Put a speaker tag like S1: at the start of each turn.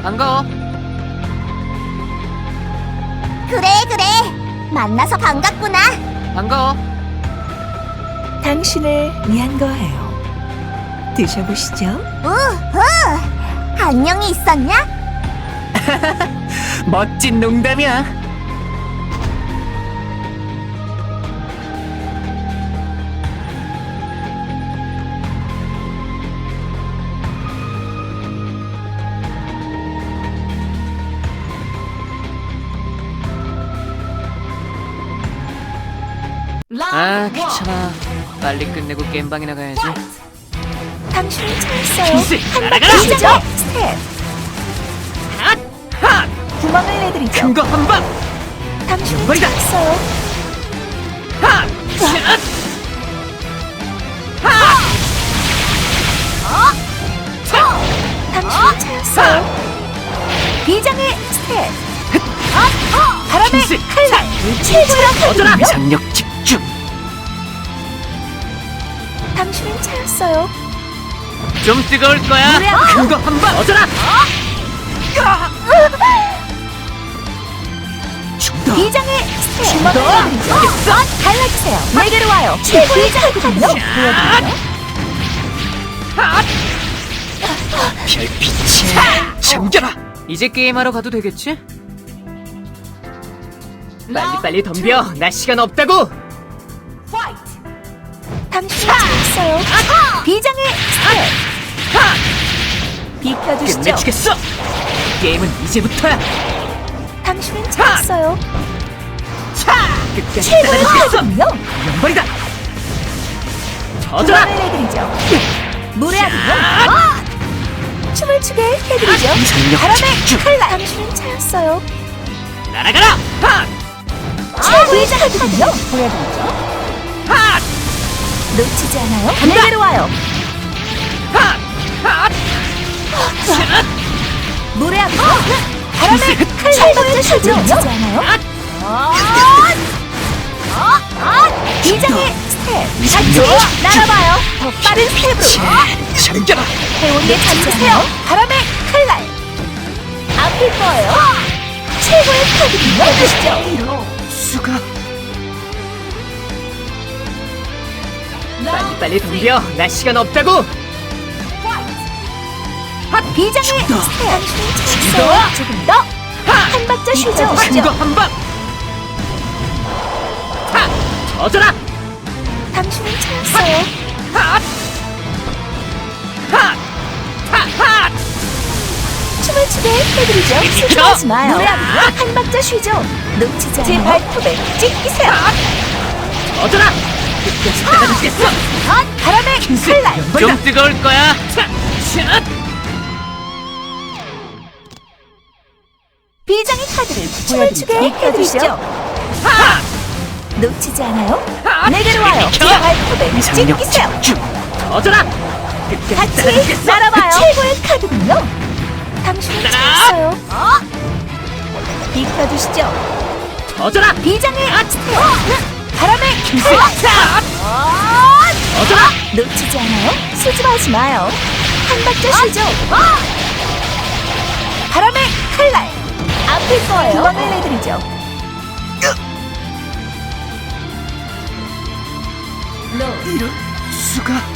S1: 반가워.
S2: 그래, 만나서 반갑구나.
S1: 반가워.
S3: 당신을 위한 거예요. 드셔보시죠.
S2: 우후! 안녕히 있었냐?
S1: 멋진 농담이야. 아, 귀찮아. 빨리 끝내고 게임방이나 가야지.
S3: 당신을 찾았어요.
S1: 킹스,
S3: 한
S1: 날아가라!
S3: 바퀴 시죠. 스텝.
S1: 핫!
S3: 구멍을 내드리죠.
S1: 큰 거 한 방!
S3: 당신을
S1: 머리다!
S3: 찾았어요.
S1: 핫! 샷!
S3: 당신을 찾았어요. 비장의 스텝. 바람의
S1: 킹스,
S3: 칼날. 최고의
S1: 얻어라!
S3: 하거든요.
S1: 장력 집중!
S3: 당신을 찾았어요.
S1: 좀 뜨거울 거야!
S3: 노래 한
S1: 큰 거 한 방! 얻어라! 죽다!
S3: 비장의 스텝. 주먹을
S1: 더!
S3: 내드리죠. 갈라주세요. 내게로 와요. 최고의 하거든요. 보여드릴까요?
S1: 핫! 별빛에 잠겨라! 이제 게임하러 가도 되겠지? 빨리빨리 덤벼! 나 시간 없다고!
S3: 당신을 찾았어요. 비장의 스텝. 비켜주시죠.
S1: 끝내주겠어! 게임은 이제부터야!
S3: 당신을 찾았어요.
S1: 끝까지
S3: 최고의
S1: 따라주겠어!
S3: 하거든요.
S1: 연발이다! 터져라!
S3: 구멍을 내드리죠. 노래하군요. 춤을 추게 해드리죠.
S1: 장력
S3: 바람의
S1: 집중!
S3: 칼날. 당신을 찾았어요.
S1: 날아가라! 핫!
S3: 최고의 하거든요. 보여드리죠.
S1: 핫!
S3: 놓치지 않아요. 내게로 와요.
S1: 핫! 핫! 샷!
S3: 노래하군요. 바람의 칼날. 최고의 하거든요. 놓치지 않아요. 비장의 스텝.
S1: 장력
S3: 같이 날아봐요. 더 빠른 스텝으로.
S1: 잠겨라!
S3: 회오리에 잠드세요. 바람의 칼날. 아플 거예요. 최고의 카드군요. 보시죠.
S1: 수가 빨리빨리 덤벼! 나 시간 없다고!
S3: 비장의
S1: 죽다.
S3: 스텝. 당신을 찾았어요. 조금 더. 한 박자 쉬죠.
S1: 큰 거 한 방! 핫! 터져라!
S3: 당신을 찾았어요.
S1: 핫! 핫! 핫! 핫!
S3: 춤을 추게 해드리죠. 슬퍼하지 마요. 한 박자 쉬죠. 놓치지 않아요. 제 발톱에 찍히세요.
S1: 터져라! 끝까지 따라주겠어!
S3: 바람의 칼날.
S1: 좀 뜨거울 거야! 차! 샷!
S3: 비장의 카드를 춤을 추게 해드리죠.
S1: 핫!
S3: 놓치지 않아요.
S1: 핫!
S3: 내게로 와요. 제
S1: 비켜!
S3: 발톱에
S1: 장력
S3: 찍히세요.
S1: 집중! 터져라! 끝까지
S3: 같이
S1: 따라주겠어!
S3: 날아봐요. 최고의 카드군요. 당신을
S1: 따라!
S3: 찾았어요. 비켜주시죠.
S1: 터져라!
S3: 비장의 스텝. 바람의
S1: 샷!
S3: 칼날.
S1: 터져라!
S3: 놓치지 않아요. 수줍어하지 마요. 한 박자 쉬죠. 바람의 칼날. 아플 거예요. 구멍을 내드리죠.
S1: 이럴 수가